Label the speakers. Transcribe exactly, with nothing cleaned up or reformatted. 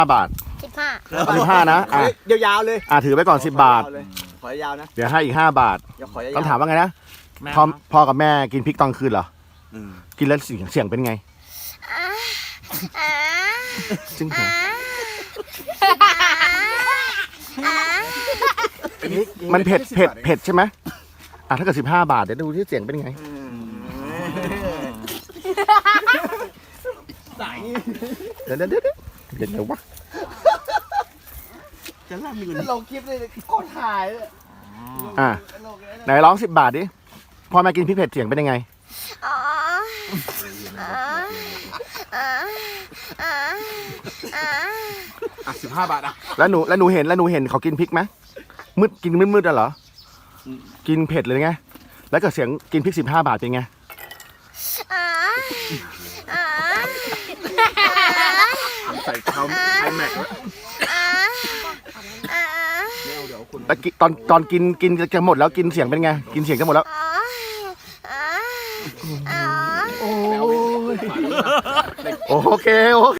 Speaker 1: ห้าบาท
Speaker 2: สิบห้า
Speaker 1: เอาสิบห้านะอ่ะ
Speaker 3: เดี๋ยวยาวเลย
Speaker 1: อ่ะถือไปก่อนสิบบาท
Speaker 3: ขอยาวนะ
Speaker 1: เดี๋ยวให้อีกห้าบาท
Speaker 3: เดี๋ยวขอยาว
Speaker 1: ต้องถามว่าไงนะพ่อพ่อกับแม่กินพริกตอนคืนเหรอกินแล้วเสียงเสียงเป็นไงจึงเหรอมันเผ็ดเผ็ดเผ็ดใช่ไหมอ่ะถ้าเกิดสิบห้าบาทเดี๋ยวดูที่เสียงเป็นไงเดี๋ยวเดี๋ยวเดี๋ยวเดี๋ยวเดี๋ยววะ
Speaker 3: จะล่ามี
Speaker 4: ลงคลิปเลยโคตรถ่ายเลย
Speaker 1: อ่ะไหนร้องสิบบาทดิพ่อแม่กินพริกเผ็ดเสียงเป็นยังไง
Speaker 2: อ๋ออ๋ออ๋ออ๋ออ๋อ
Speaker 3: อ่ะสิบห้าบาทอ่ะ
Speaker 1: แล้วหนูแล้วหนูเห็นแล้วหนูเห็นเขากินพริกไหมมืดกินมืดมืดๆอะเหรอกินเผ็ดเลยไงแล้วก็เสียงกินพริกสิบห้าบาทเป็นไง
Speaker 2: อ๋ออ๋อ
Speaker 1: ใส่คำไอแม็ก
Speaker 2: อ๋ออ๋อ
Speaker 1: แล้วกินตอนตอนกินกินจะหมดแล้วกินเสียงเป็นไงกินเสียงจะหมดแล้ว
Speaker 2: อ๋ออ๋ออ๋อ
Speaker 1: โอเคโอเค